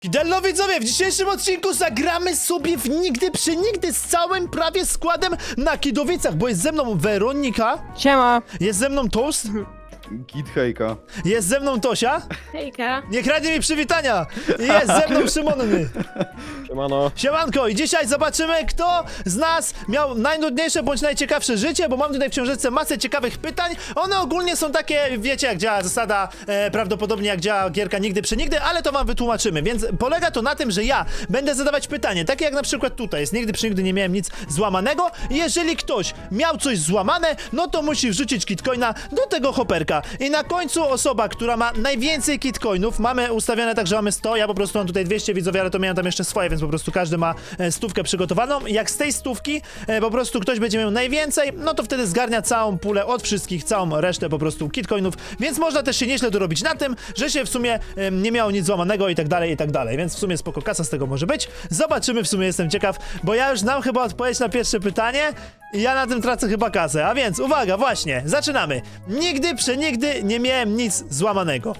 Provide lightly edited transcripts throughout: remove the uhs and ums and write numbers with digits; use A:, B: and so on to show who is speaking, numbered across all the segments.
A: Kidello widzowie, w dzisiejszym odcinku zagramy sobie w Nigdy przy Nigdy z całym prawie składem na Kidowicach, bo jest ze mną Weronika,
B: Siema!
A: jest ze mną Toast,
C: Git hejka.
A: jest ze mną Tosia,
D: Hejka.
A: nie kradnie mi przywitania, i jest ze mną Szymonny.
B: Siemano.
A: Siemanko, i dzisiaj zobaczymy, kto z nas miał najnudniejsze bądź najciekawsze życie, bo mam tutaj w książeczce masę ciekawych pytań. One ogólnie są takie, wiecie jak działa zasada, prawdopodobnie jak działa gierka Nigdy przy Nigdy, ale to wam wytłumaczymy, więc polega to na tym, że ja będę zadawać pytanie, takie jak na przykład tutaj jest Nigdy przy Nigdy nie miałem nic złamanego. Jeżeli ktoś miał coś złamane, no to musi wrzucić kitcoina do tego hoperka. I na końcu osoba, która ma najwięcej kitcoinów, mamy ustawione tak, że mamy 100, ja po prostu mam tutaj 200 widzowie, ale to miałem tam jeszcze swoje, więc po prostu każdy ma stówkę przygotowaną. Jak z tej stówki po prostu ktoś będzie miał najwięcej, no to wtedy zgarnia całą pulę od wszystkich, całą resztę po prostu kitcoinów, więc można też się nieźle dorobić na tym, że się w sumie nie miało nic złamanego i tak dalej, więc w sumie spoko kasa z tego może być. Zobaczymy, w sumie jestem ciekaw, bo ja już znam chyba odpowiedź na pierwsze pytanie i ja na tym tracę chyba kasę, a więc uwaga, właśnie, zaczynamy. Nigdy przenigdy nie miałem nic złamanego.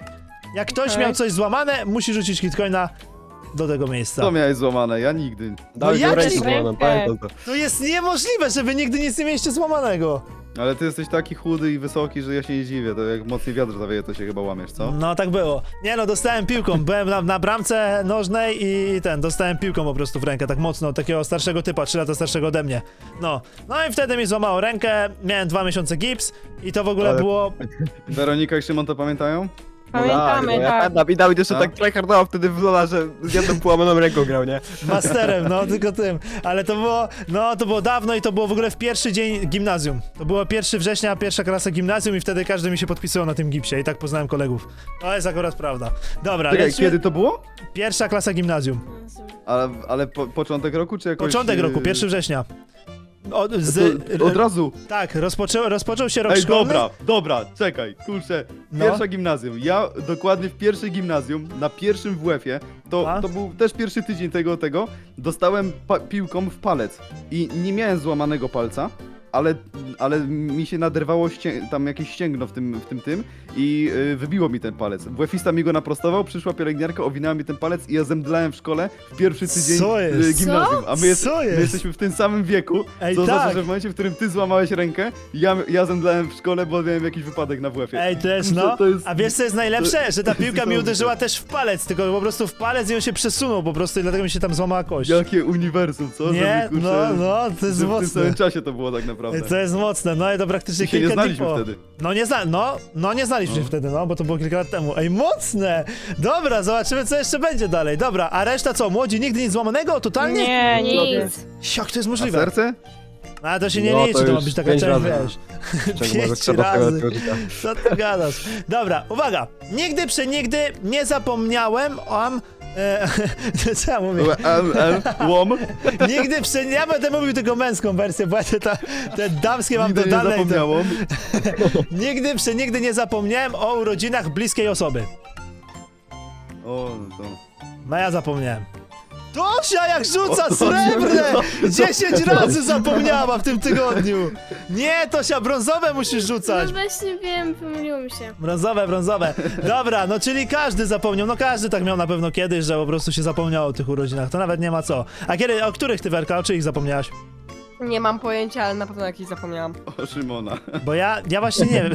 A: Jak ktoś miał coś złamane, musi rzucić kitcoina do tego miejsca.
C: Co miałeś złamane? Ja nigdy.
B: Dałeś
A: jak
B: rękę
A: ci-
B: złamaną, pamiętam to.
A: To jest niemożliwe, żeby nigdy nic nie mieliście złamanego.
C: Ale ty jesteś taki chudy i wysoki, że ja się nie dziwię. To jak mocniej wiatr zawieje, to się chyba łamiesz, co?
A: No tak było. Nie no, dostałem piłką, byłem na bramce nożnej i dostałem piłką po prostu w rękę, tak mocno, od takiego starszego typa, 3 lata starszego ode mnie. No i wtedy mi złamało rękę, miałem 2 miesiące gips i to w ogóle
C: Ale-
A: było...
C: Weronika i Szymon to pamiętają?
B: Ja
D: Pamiętamy, tak.
B: pamiętam i Dawid jeszcze
C: A?
B: tak tryhardował wtedy w Lola, że z jedną połamaną ręką grał, nie?
A: Masterem, no tylko tym. Ale to było dawno i to było w ogóle w pierwszy dzień gimnazjum. To było 1 września, pierwsza klasa gimnazjum i wtedy każdy mi się podpisywał na tym gipsie i tak poznałem kolegów. To jest akurat prawda. Dobra,
C: Czekaj,
A: lecimy.
C: kiedy to było?
A: Pierwsza klasa gimnazjum.
C: Ale początek roku, czy jakoś...
A: Początek roku, 1 września.
C: Od razu.
A: Tak, rozpoczął się rok
C: Ej,
A: szkolny.
C: dobra, czekaj, kurczę.
A: No.
C: Pierwsza gimnazjum. Ja dokładnie w pierwszej gimnazjum, na pierwszym WF-ie,
A: A?
C: to był też pierwszy tydzień tego, dostałem piłką w palec. I nie miałem złamanego palca, ale mi się naderwało tam jakieś ścięgno w tym i wybiło mi ten palec. WF-ista mi go naprostował, przyszła pielęgniarka, owinęła mi ten palec i ja zemdlałem w szkole w pierwszy tydzień
A: Co jest?
C: gimnazjum. A my,
A: Co jest?
C: my jesteśmy w tym samym wieku,
A: Ej,
C: co oznacza,
A: tak.
C: że w momencie, w którym ty złamałeś rękę, ja zemdlałem w szkole, bo miałem jakiś wypadek na WF-ie.
A: Ej, też
C: Kurczę,
A: no.
C: to jest-
A: A wiesz co jest najlepsze? Że ta piłka mi
C: niesamowite.
A: uderzyła też w palec, tylko po prostu w palec i on się przesunął po prostu i dlatego mi się tam złamała kość.
C: Jakie uniwersum, co?
A: Nie,
C: Żeby, kurczę,
A: no, to jest
C: że w tym
A: mocne.
C: samym czasie to było tak naprawdę.
A: To jest mocne, no i to praktycznie
C: My się nie
A: kilka dni
C: znaliśmy
A: po...
C: wtedy.
A: Nie znaliśmy się wtedy, no, bo to było kilka lat temu. Ej, mocne! Dobra, zobaczymy co jeszcze będzie dalej. Dobra, a reszta co? Młodzi nigdy nic złamanego? Totalnie?
B: Nie,
D: Nic.
A: Jak to jest
C: A
A: możliwe?
C: serce?
A: A to się nie
B: No,
A: liczy,
B: to
A: to ma
B: już
A: być taka
B: 5
A: część,
B: razy.
A: wiesz.
B: Czego może
A: 5
B: trzeba
A: razy.
B: tego życia.
A: Co ty gadasz? Dobra, uwaga! Nigdy przenigdy nie zapomniałem co ja mówię?
C: Łom?
A: Nigdy ja będę mówił tylko męską wersję, bo ja te damskie mam
C: Nigdy nie
A: dodane.
C: zapomniałam.
A: Nigdy przenigdy nie zapomniałem o urodzinach bliskiej osoby.
C: O, to...
A: No ja zapomniałem. Tosia jak rzuca srebrne! 10 razy zapomniała w tym tygodniu! Nie, Tosia, brązowe musisz rzucać!
D: No właśnie wiem, pomyliło mi się.
A: Brązowe. Dobra, no czyli każdy zapomniał, no każdy tak miał na pewno kiedyś, że po prostu się zapomniało o tych urodzinach, to nawet nie ma co. A kiedy, o których ty, Werka, o czyich zapomniałaś?
B: Nie mam pojęcia, ale na pewno jakiś zapomniałam.
C: O Szymona.
A: Bo ja właśnie nie wiem.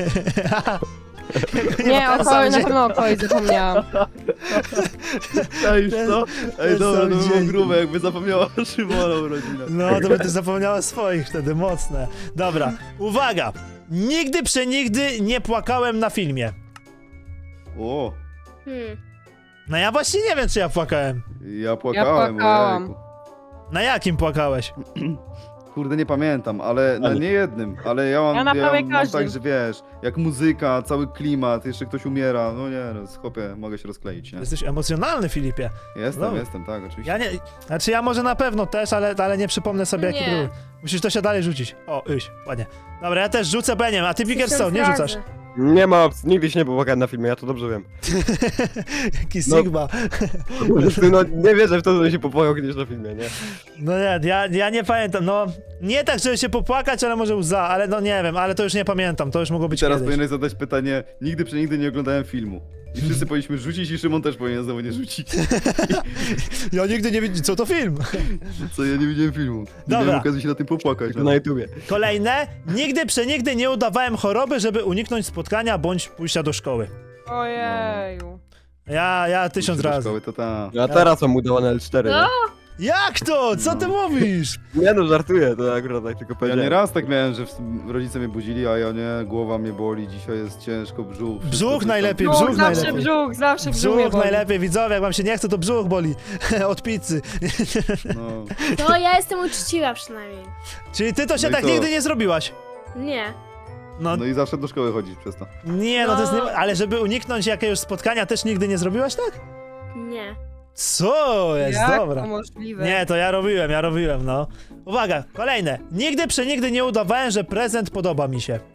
B: Nie,
A: ma
B: o
A: to sam
B: kogoś, na
A: dzień.
B: pewno o kogoś zapomniałam.
C: Ej, co? Ej, dobra, to było
A: dzięki.
C: grube, jakby zapomniała o Szymona urodzinach.
A: No, to by ty zapomniała swoich wtedy, mocne. Dobra, uwaga! Nigdy przenigdy nie płakałem na filmie.
C: O,
A: No ja właśnie nie wiem, czy ja płakałem.
C: ja płakałem,
B: płakałam.
C: ojejku.
A: Na jakim płakałeś?
C: Kurde, nie pamiętam, ale na nie jednym, ale
B: Ja na prawie
C: mam
B: każdym.
C: tak, że wiesz, jak muzyka, cały klimat, jeszcze ktoś umiera, no nie, no chłopie, mogę się rozkleić, nie?
A: Jesteś emocjonalny, Filipie.
C: Jestem,
A: No.
C: tak, oczywiście.
A: Ja nie... Znaczy ja może na pewno też, ale nie przypomnę sobie jaki
D: Nie.
A: był. Musisz to się dalej rzucić. O, ładnie. Dobra, ja też rzucę beniem, a ty Pickerstone, nie rzucasz.
B: Nie ma opcji, nigdy się nie popłakałem na filmie, ja to dobrze wiem.
A: Jaki
B: No.
A: Sigma.
B: No nie wierzę w to, że się popłakał kiedyś na filmie, nie?
A: No nie, ja nie pamiętam, no... Nie tak, żeby się popłakać, ale może łza, ale no nie wiem, ale to już nie pamiętam, to już mogło być
C: Teraz
A: kiedyś.
C: powinieneś zadać pytanie, nigdy przenigdy nie oglądałem filmu. I wszyscy powinniśmy rzucić i Szymon też powinien znowu nie rzucić.
A: Ja nigdy nie widziałem, co to film?
C: Co, ja nie widziałem filmu. Nie
A: Dobra.
C: miałem okazji się na tym popłakać.
B: Tylko na YouTubie.
A: Kolejne. Nigdy przenigdy nie udawałem choroby, żeby uniknąć spotkania bądź pójścia do szkoły.
D: Ojeju.
A: Ja 1000
C: Do
A: razy.
C: szkoły, to ta.
B: Ja teraz mam udawane L4,
D: No,
B: nie?
A: Jak to? Co ty mówisz?
B: Nie no, żartuję, to akurat tak tylko
C: Ja
B: powiedziałem.
C: nieraz tak miałem, że rodzice mnie budzili, a ja nie, głowa mnie boli, dzisiaj jest ciężko, brzuch. wszystko
A: Brzuch
C: coś tam.
A: najlepiej,
D: brzuch,
A: brzuch
D: zawsze
A: najlepiej.
D: brzuch, zawsze brzuch mnie
A: Brzuch
D: boli.
A: najlepiej, widzowie, jak wam się nie chce, to brzuch boli. Od pizzy.
C: No.
D: No, ja jestem uczciwa przynajmniej.
A: Czyli ty to się
C: No i
A: tak
C: co?
A: nigdy nie zrobiłaś?
D: Nie.
A: No
C: No i zawsze do szkoły chodzić przez to.
A: nie, no to jest
D: No.
A: nie... Ale żeby uniknąć jakiegoś spotkania też nigdy nie zrobiłaś, tak?
D: Nie.
A: Co jest?
D: Jak
A: Dobra.
D: to możliwe?
A: Nie, to ja robiłem, no. Uwaga, kolejne. Nigdy przenigdy nie udawałem, że prezent podoba mi się.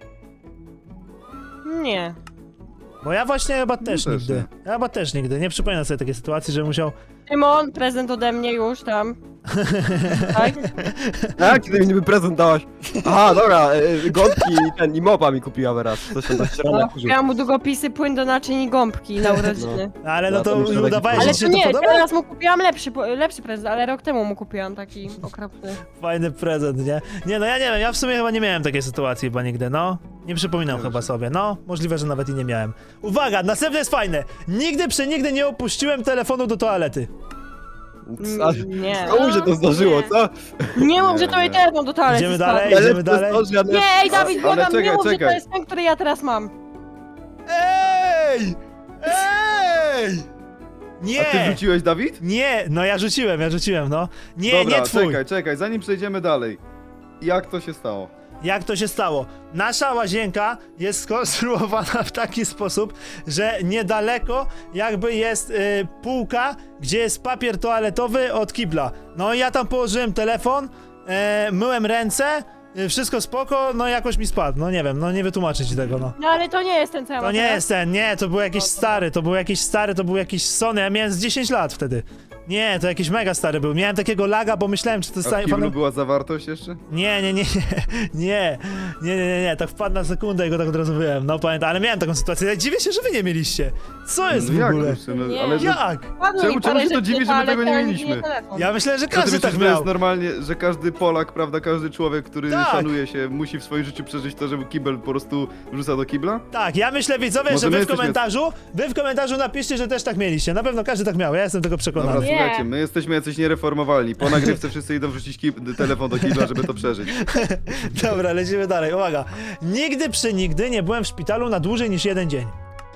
D: Nie.
A: Bo ja właśnie chyba też
C: też
A: nigdy.
C: nie.
A: Ja chyba też nigdy. Nie przypominam sobie takiej sytuacji, że musiał...
D: Szymon, prezent ode mnie już tam. Tak?
B: A, kiedy mi niby prezent dałaś? Aha, dobra, gąbki i mopa mi kupiła teraz. Coś tam tak średnio
D: No,
B: kurzył.
D: kupiłam mu długopisy, płyn do naczyń i gąbki na urodziny.
A: Ale no
B: No, to
A: to
B: muszę taki
A: udawałeś, że
D: Ale
A: ci
D: to
A: się to
D: nie,
A: podoba?
D: teraz mu kupiłam lepszy prezent, ale rok temu mu kupiłam taki okropny.
A: Fajny prezent, nie? Nie, no ja nie wiem, ja w sumie chyba nie miałem takiej sytuacji chyba nigdy, no. Nie przypominam chyba sobie, no. Możliwe, że nawet i nie miałem. Uwaga, następne jest fajne. Nigdy przenigdy nie opuściłem telefonu do toalety.
B: A,
D: Nie.
B: komu się to zdarzyło, co?
D: Nie mów, że to jej telefon do toalety
A: Idziemy
D: spadł.
A: dalej? Idziemy dalej?
D: Nie, ej Dawid,
C: Ale
D: błagam, nie
C: czekaj,
D: mów, że to
C: czekaj.
D: jest ten, który ja teraz mam.
A: Ej! Ej! Nie!
C: A ty wrzuciłeś, Dawid?
A: Nie, no ja rzuciłem, no. Nie,
C: Dobra,
A: nie twój.
C: czekaj, zanim przejdziemy dalej. Jak to się stało?
A: Jak to się stało? Nasza łazienka jest skonstruowana w taki sposób, że niedaleko jakby jest półka, gdzie jest papier toaletowy od kibla. No i ja tam położyłem telefon, myłem ręce, wszystko spoko, no jakoś mi spadł. No nie wiem, no nie wytłumaczę ci tego, no.
D: No ale to nie jest ten, co ja
A: To
D: mam
A: nie
D: teraz.
A: jest ten, nie, to był jakiś stary, to był jakiś Sony, ja miałem z 10 lat wtedy. Nie, to jakiś mega stary był. Miałem takiego laga, bo myślałem, czy to jest...
C: A w kiblu była zawartość jeszcze?
A: Nie, tak wpadł na sekundę i go tak od razu wyjąłem, no pamiętam, ale miałem taką sytuację, dziwię się, że wy nie mieliście. Co jest
C: No
A: w
C: jak
A: ogóle?
C: kurczę, no,
D: Nie.
C: ale że,
A: Jak?
D: Padło
C: Czemu-
D: mi
C: czemu
D: parę
C: się to
D: rzeczy,
C: dziwi, że my
D: ale
C: tego nie
D: ten
C: mieliśmy?
D: telefon.
A: Ja myślę, że
C: Co ty
A: każdy
C: myślisz,
A: tak
C: że to jest
A: miał.
C: normalnie, że każdy Polak, prawda, każdy człowiek, który
A: Tak.
C: szanuje się, musi w swoim życiu przeżyć to, żeby kibel po prostu wrzuca do kibla?
A: Tak, ja myślę, widzowie,
C: Może
A: że
C: my
A: wy w komentarzu napiszcie, że też tak mieliście. Na pewno każdy tak miał, ja jestem tego
C: Dobra,
A: przekonany.
D: Nie.
C: słuchajcie, my jesteśmy jacyś niereformowalni. Po nagrywce wszyscy idą wrzucić telefon do kibla, żeby to przeżyć.
A: Dobra, lecimy dalej, uwaga. Nigdy przenigdy nie byłem w szpitalu na dłużej niż 1 dzień.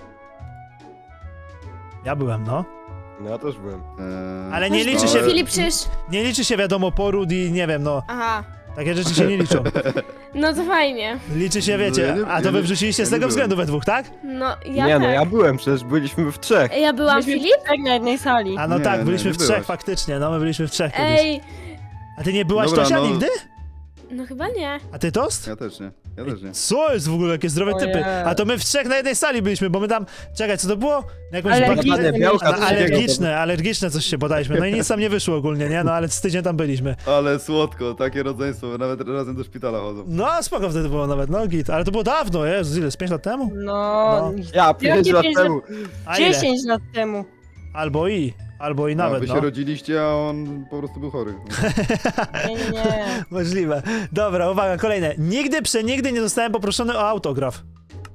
A: Ja byłem, no.
B: No ja też byłem.
A: Ale nie liczy się...
D: Filip, przecież...
A: Nie liczy się, wiadomo, poród i nie wiem, no.
D: Aha.
A: Takie rzeczy się nie liczą.
D: No to fajnie.
A: Liczy się,
C: No,
A: wiecie,
C: ja nie-
A: a to
C: ja
A: wy
C: nie-
A: wrzuciliście
C: ja
A: z
C: nie
A: tego
C: byłem.
A: względu we dwóch, tak?
D: No, ja
B: Nie
D: tak.
B: no, ja byłem, przecież byliśmy w trzech.
D: Ja byłam Byliśmy Filip? Tak na jednej sali.
A: A no
C: Nie,
A: tak,
C: nie,
A: byliśmy
C: nie
A: w trzech
C: byłaś.
A: faktycznie, no my byliśmy w trzech kiedyś.
D: Ej,
A: A ty nie byłaś
C: Dobra,
A: Tosia
C: no.
A: nigdy?
D: no chyba nie.
A: A ty Tost?
C: Ja też nie, ja też nie.
A: Co jest w ogóle, jakie zdrowe
D: Ojej.
A: typy? A to my w trzech na jednej sali byliśmy, bo my tam... Czekaj, co to było? Na jakąś
D: Alergiczne
A: bakterię-
B: białka,
A: Na
B: coś takiego.
A: alergiczne coś się bodaliśmy. No i nic tam nie wyszło ogólnie, nie? No ale z tydzień tam byliśmy.
C: Ale słodko, takie rodzeństwo, nawet razem do szpitala chodzą.
A: No spoko wtedy było nawet, no git. Ale to było dawno, Jezus, ile? Z 5 lat temu?
D: No,
B: Ja, 5 lat temu.
A: A ile?
D: 10 lat temu.
A: Albo i
C: A
A: nawet,
C: wy
A: no.
C: się rodziliście, a on po prostu był chory.
D: Nie.
A: Możliwe. Dobra, uwaga, kolejne. Nigdy przenigdy nie zostałem poproszony o autograf.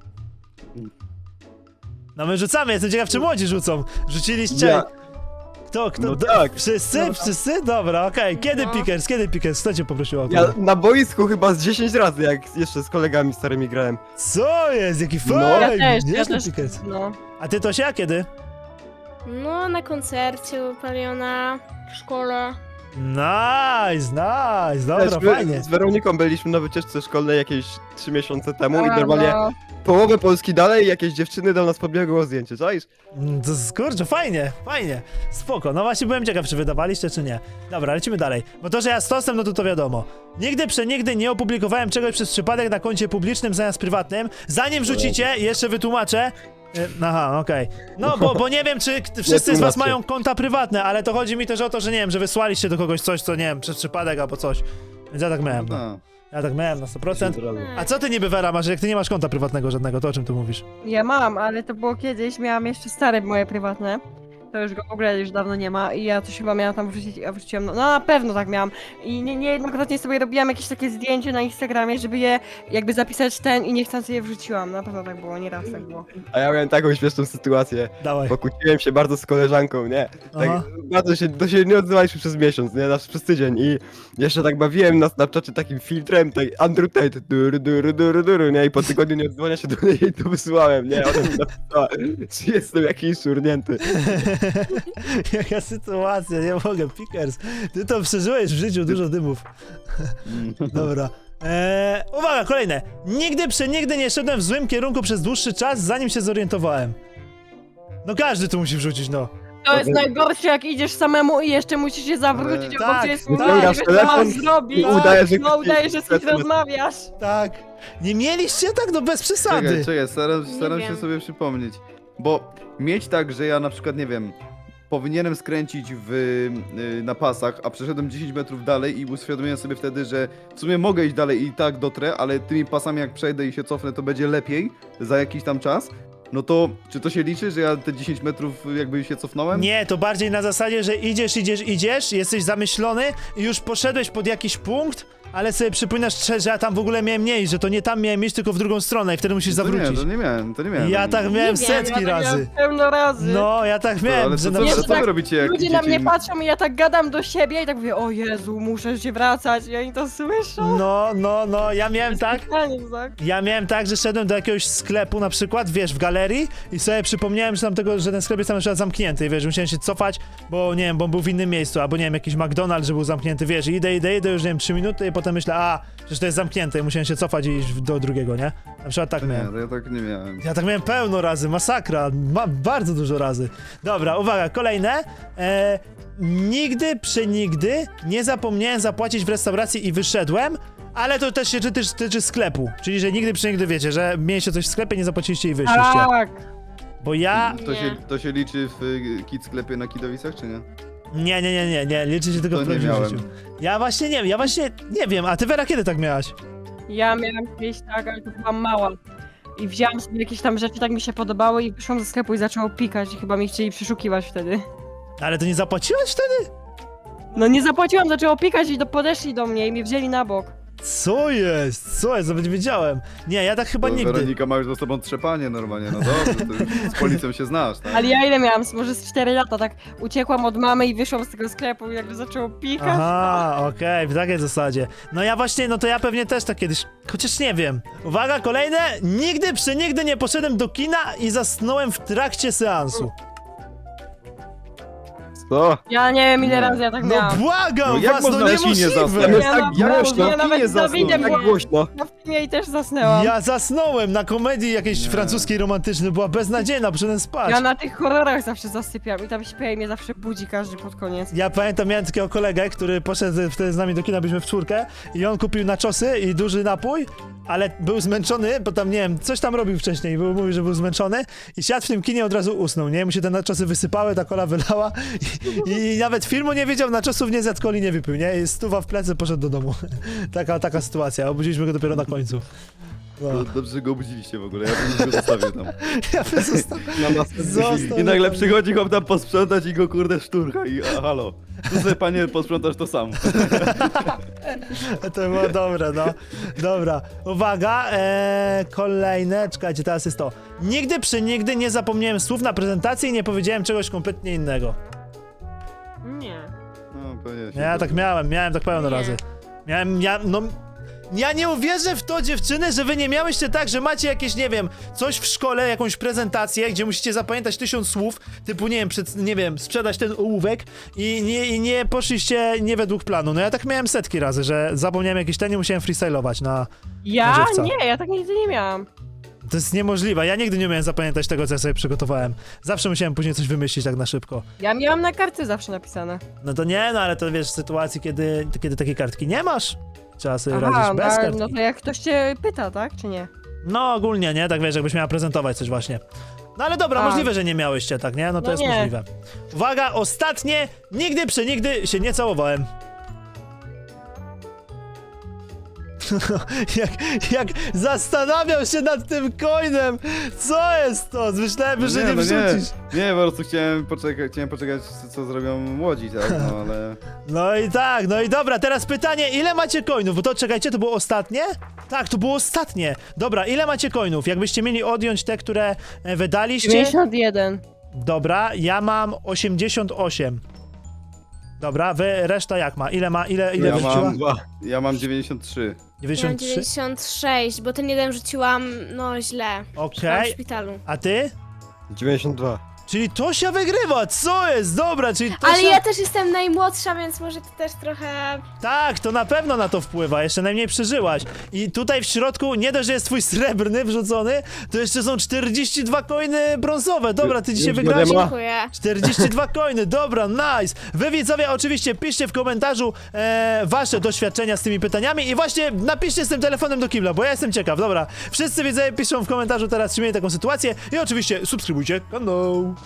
A: No my rzucamy, jestem ciekaw, czy młodzi rzucą. Rzuciliście...
B: Ja.
A: Kto?
B: No tak.
A: Wszyscy? Wszyscy? Dobra, okej. Kiedy
D: No.
A: Pickers? Kto cię poprosił o
B: Ja
A: autograf?
B: na boisku chyba z 10 razy, jak jeszcze z kolegami starymi grałem.
A: Co jest? Jaki
B: No.
A: fajny!
D: Ja
A: Nieźle,
D: też.
A: Pickers.
D: No.
A: A ty Tosia, kiedy?
D: No, na koncercie u Paliona, w szkole.
A: Nice, dobra,
B: Wiesz, my
A: fajnie.
B: z Weroniką byliśmy na wycieczce szkolnej jakieś 3 miesiące temu i
D: A,
B: normalnie
D: no.
B: połowę Polski dalej jakieś dziewczyny do nas podbiegło zdjęcie, czaisz?
A: To kurczę, fajnie. Spoko. No właśnie byłem ciekaw, czy wydawaliście, czy nie. Dobra, lecimy dalej. Bo to, że ja z Tostem, no to wiadomo. Nigdy przenigdy nie opublikowałem czegoś przez przypadek na koncie publicznym zamiast prywatnym. Zanim wrzucicie, jeszcze wytłumaczę. Aha, okej. No, bo nie wiem, czy wszyscy z was
B: tłumaczcie.
A: mają konta prywatne, ale to chodzi mi też o to, że nie wiem, że wysłaliście do kogoś coś, co nie wiem, przez przypadek albo coś. Więc ja tak miałem. No.
C: No.
A: Ja tak miałem na 100%. A co ty niby, Vera, masz, jak ty nie masz konta prywatnego żadnego, to o czym ty mówisz?
E: Ja mam, ale to było kiedyś, miałam jeszcze stare moje prywatne. To już go w ogóle już dawno nie ma i ja coś chyba miałam tam wrzucić, a wrzuciłam, no na pewno tak miałam. I niejednokrotnie sobie robiłam jakieś takie zdjęcie na Instagramie, żeby je jakby zapisać i niechcący je wrzuciłam. Na pewno tak było, nieraz tak było.
B: A ja miałem taką śmieszną sytuację.
A: Dawaj.
B: Pokłóciłem się bardzo z koleżanką, nie? Tak,
A: Aha.
B: bardzo się nie odzywaliśmy przez miesiąc, nie? Znaczy przez tydzień i jeszcze tak bawiłem na Snapchacie takim filtrem, tak Andrew Tate, duru, nie? I po tygodniu nie odzwania się do niej i to wysłałem, nie? Ona mi napisała, czy jestem jakiś szurnięty.
A: Jaka sytuacja, nie mogę, Pickers. Ty to przeżyłeś w życiu, dużo dymów. Dobra. Uwaga, kolejne. Nigdy nie szedłem w złym kierunku przez dłuższy czas, zanim się zorientowałem. No każdy tu musi wrzucić, no.
E: To jest najgorsze, jak idziesz samemu i jeszcze musisz się zawrócić,
A: Ale-
E: obok
A: tak,
E: ciebie jest
A: tak.
E: nie wiesz, co
B: Telefon
E: masz zrobić.
B: i udajesz, że
E: No
B: ktoś-
E: udajesz, że z kimś rozmawiasz.
A: Tak. Nie mieliście tak? No bez przesady.
C: Czekaj, staram się
D: wiem.
C: sobie przypomnieć. Bo mieć tak, że ja na przykład, nie wiem, powinienem skręcić na pasach, a przeszedłem 10 metrów dalej i uświadomiłem sobie wtedy, że w sumie mogę iść dalej i tak dotrę, ale tymi pasami jak przejdę i się cofnę, to będzie lepiej za jakiś tam czas. No to czy to się liczy, że ja te 10 metrów jakby się cofnąłem?
A: Nie, to bardziej na zasadzie, że idziesz, jesteś zamyślony i już poszedłeś pod jakiś punkt, ale sobie przypominasz, że ja tam w ogóle miałem nie iść, że to nie tam miałem iść, tylko w drugą stronę i wtedy musisz zawrócić.
C: To nie miałem.
A: Ja tak miałem
D: Nie wiem,
A: setki
E: Ja tak
A: razy.
E: miałem pełno razy.
A: No, ja tak miałem,
C: ale
A: że
C: co,
A: na
E: Nie,
C: co,
E: że
C: co wy
E: tak
C: robicie jak
E: Ludzie na
C: idziecie
E: mnie
C: im-
E: patrzą i ja tak gadam do siebie i tak mówię, o Jezu, muszę się wracać i oni to słyszą.
A: No, ja miałem tak.
E: Tak.
A: Ja miałem tak, że szedłem do jakiegoś sklepu na przykład, wiesz, w galerii i sobie przypomniałem, że ten sklep jest tam na przykład zamknięty i wiesz, musiałem się cofać, bo nie wiem, bo on był w innym miejscu, albo nie wiem, jakiś McDonald's, że był zamknięty, wiesz, idę, już nie wiem, 3 minuty i potem myślę, przecież to jest zamknięte i musiałem się cofać i iść do drugiego, nie? Na przykład tak
C: Nie,
A: miałem.
C: to ja tak nie miałem.
A: Ja tak miałem pełno razy, masakra, bardzo dużo razy. Dobra, uwaga, kolejne. Nigdy nie zapomniałem zapłacić w restauracji i wyszedłem, ale to też się tyczy sklepu. Czyli, że nigdy, wiecie, że mieliście coś w sklepie, nie zapłaciliście i wyszliście.
E: Tak.
A: Bo ja...
C: To się liczy w kit sklepie na Kidowicach, czy nie?
A: Nie, liczy się tylko
C: To
A: w
C: nie
A: prawdziwym
C: miałem.
A: życiu. Ja właśnie nie wiem, a ty, Vera, kiedy tak miałaś?
E: Ja miałam kiedyś tak, ale to byłam mała. I wzięłam sobie jakieś tam rzeczy, tak mi się podobały i wyszłam ze sklepu i zaczęło pikać i chyba mi chcieli przeszukiwać wtedy.
A: Ale to nie zapłaciłeś wtedy?
E: No nie zapłaciłam, zaczęło pikać i podeszli do mnie i mnie wzięli na bok.
A: Co jest? Nawet nie wiedziałem. Nie, ja tak chyba
C: To
A: nigdy.
C: Weronika ma już za sobą trzepanie normalnie, no dobrze, to już z policją się znasz, tak?
E: Ale ja ile miałam? Może z 4 lata, tak uciekłam od mamy i wyszłam z tego sklepu i jakby zaczęło pikać.
A: Aha, okej, w takiej zasadzie. No ja właśnie, no to ja pewnie też tak kiedyś, chociaż nie wiem. Uwaga, kolejne. Nigdy nie poszedłem do kina i zasnąłem w trakcie seansu.
B: Co?
E: Ja nie wiem ile
C: Nie.
E: razy ja tak
A: No
E: miałam.
A: błagam
C: No jak
A: was,
C: można
A: no
C: na kinie
A: niemożliwe.
C: zasnąć?
B: Tam jest
E: Ja
B: tak
E: naprawdę,
B: głośno,
E: ja nawet
C: kinie
E: z Dawidem
C: zasnął.
B: tak
E: byłam
B: głośno.
E: na filmie i też zasnęłam.
A: Ja zasnąłem na komedii jakiejś
C: Nie.
A: francuskiej romantycznej, była beznadziejna, poszedłem spać.
E: Ja na tych horrorach zawsze zasypiam i tam śpię i mnie zawsze budzi każdy pod koniec.
A: Ja pamiętam, miałem takiego kolegę, który poszedł wtedy z nami do kina, byliśmy w czwórkę i on kupił naczosy i duży napój, ale był zmęczony, bo tam, nie wiem, coś tam robił wcześniej, mówił, że był zmęczony i siadł w tym kinie, od razu usnął, nie? Mu się te naczosy wysypały, ta kola wylała i nawet filmu nie wiedział, naczosów nie zjadł, coli nie wypił, nie? I stuwa w plecy, poszedł do domu. taka sytuacja, obudziliśmy go dopiero na końcu. No.
C: Dobrze, że go obudziliście w ogóle, ja bym go zostawię tam.
A: Ja bym został.
C: I nagle przychodzi chłop tam posprzątać i go kurde szturcha i halo. Tu sobie panie posprzątasz to sam.
A: To było dobre, no. Dobra, uwaga, kolejne, czekajcie, teraz jest to. Nigdy nie zapomniałem słów na prezentacji i nie powiedziałem czegoś kompletnie innego.
E: Nie.
C: No, pewnie się
A: Ja tak miałem tak pełno
D: Nie.
A: razy. Ja nie uwierzę w to, dziewczyny, że wy nie miałyście tak, że macie jakieś, nie wiem, coś w szkole, jakąś prezentację, gdzie musicie zapamiętać 1000 słów, typu, nie wiem, sprzedać ten ołówek i nie poszliście nie według planu. No ja tak miałem setki razy, że zapomniałem jakieś ten i musiałem freestylować na...
E: Ja?
A: Żywca.
E: Nie, ja tak nigdy nie miałam.
A: To jest niemożliwe, ja nigdy nie umiałem zapamiętać tego, co ja sobie przygotowałem. Zawsze musiałem później coś wymyślić tak na szybko.
E: Ja miałam na kartce zawsze napisane.
A: No to nie, no ale to wiesz, w sytuacji, kiedy takiej kartki nie masz, trzeba sobie radzić
E: Aha,
A: bez kartki.
E: no to jak ktoś cię pyta, tak? Czy nie?
A: No ogólnie, nie? Tak wiesz, jakbyś miała prezentować coś właśnie. No ale dobra,
E: A.
A: możliwe, że nie miałyście, tak, nie? No to
E: No
A: jest
E: nie.
A: możliwe. Uwaga, ostatnie, nigdy się nie całowałem. jak zastanawiał się nad tym coinem. Co jest to? Myślałem, że nie
C: no
A: wrzucisz.
C: Nie, po prostu chciałem poczekać, co zrobią młodzi, tak, no ale...
A: No i tak, no i dobra, teraz pytanie, ile macie coinów? Bo to, czekajcie, to było ostatnie? Tak, to było ostatnie. Dobra, ile macie coinów? Jakbyście mieli odjąć te, które wydaliście?
E: 91.
A: Dobra, ja mam 88. Dobra, wy reszta jak ma? Ile
C: Ja
A: wyrzuciła?
C: mam- Ja mam 93.
D: Ja mam
A: 93?
D: 96, bo ten jeden rzuciłam, no źle.
A: Okej.
D: W szpitalu.
A: A ty?
B: 92.
A: Czyli Tosia wygrywa, co jest? Dobra, czyli Tosia...
D: Ale ja też jestem najmłodsza, więc może to też trochę...
A: Tak, to na pewno na to wpływa, jeszcze najmniej przeżyłaś. I tutaj w środku, nie dość, że jest twój srebrny wrzucony, to jeszcze są 42 coiny brązowe. Dobra, ty dzisiaj
B: Już
A: wygrałaś...
B: nie ma.
D: Dziękuję.
A: 42 coiny, dobra, nice! Wy widzowie oczywiście piszcie w komentarzu wasze doświadczenia z tymi pytaniami i właśnie napiszcie z tym telefonem do kibla, bo ja jestem ciekaw, dobra. Wszyscy widzowie piszą w komentarzu teraz, czy mieli taką sytuację i oczywiście subskrybujcie kanał.